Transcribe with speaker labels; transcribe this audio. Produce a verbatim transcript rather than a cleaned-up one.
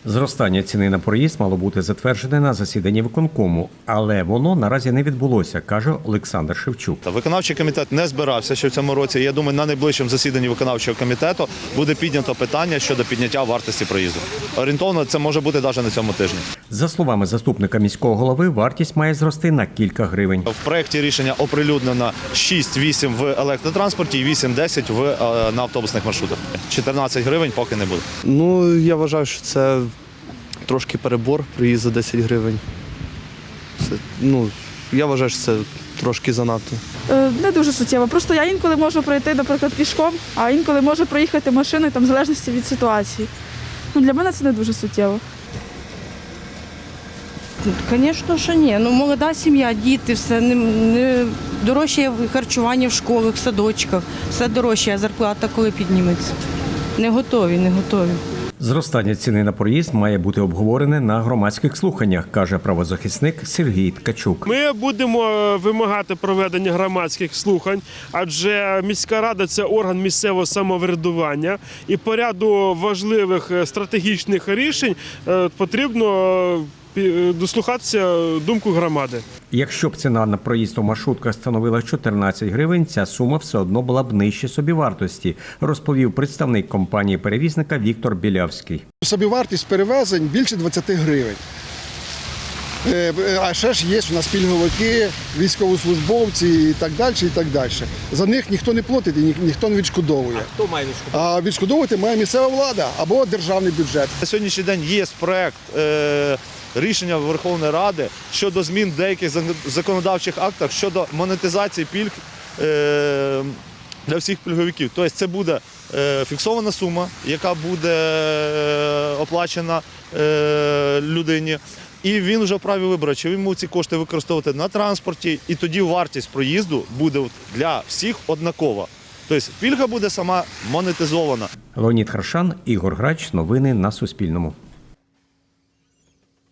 Speaker 1: Зростання ціни на проїзд мало бути затверджене на засіданні виконкому, але воно наразі не відбулося, каже Олександр Шевчук.
Speaker 2: Виконавчий комітет не збирався ще в цьому році. Я думаю, на найближчому засіданні виконавчого комітету буде піднято питання щодо підняття вартості проїзду. Орієнтовно це може бути навіть на цьому тижні. За
Speaker 1: словами заступника міського голови, вартість має зрости на кілька гривень.
Speaker 2: В проєкті рішення оприлюднено шість-вісім в електротранспорті і вісім-десять в на автобусних маршрутах. чотирнадцять гривень поки не буде.
Speaker 3: Ну, я вважаю, що це трошки перебор, проїзд за десять гривень. Це, ну, я вважаю, що це трошки занадто.
Speaker 4: Е, не дуже суттєво. Просто я інколи можу пройти, наприклад, пішком, а інколи можу проїхати машиною, там, в залежності від ситуації. Ну, для мене це не дуже суттєво.
Speaker 5: Звісно, що ні. Ну, молода сім'я, діти, все не, не дорожче харчування в школах, в садочках, все дорожче, а зарплата коли підніметься. Не готові, не готові.
Speaker 1: Зростання ціни на проїзд має бути обговорене на громадських слуханнях, каже правозахисник Сергій Ткачук.
Speaker 6: Ми будемо вимагати проведення громадських слухань, адже міська рада – це орган місцевого самоврядування, і по ряду важливих стратегічних рішень потрібно дослухатися думку громади.
Speaker 1: Якщо б ціна на проїзд у маршрутках становила чотирнадцять гривень, ця сума все одно була б нижче собівартості, розповів представник компанії-перевізника Віктор Білявський.
Speaker 7: Собівартість перевезень більше двадцять гривень. А ще ж є у нас пільговики, військовослужбовці і так далі, і так далі. За них ніхто не платить і ніхто не відшкодовує.
Speaker 1: А хто має відшкодовувати?
Speaker 7: А відшкодовувати має місцева влада або державний бюджет.
Speaker 2: На сьогоднішній день є проєкт е, рішення Верховної Ради щодо змін в деяких законодавчих актах щодо монетизації пільг е, для всіх пільговиків. Тобто це буде е, фіксована сума, яка буде е, оплачена е, людині. І він вже вправі вибору, чи він може ці кошти використовувати на транспорті, і тоді вартість проїзду буде для всіх однакова. Тобто пільга буде сама монетизована.
Speaker 1: Леонід Харшан, Ігор Грач. Новини на Суспільному.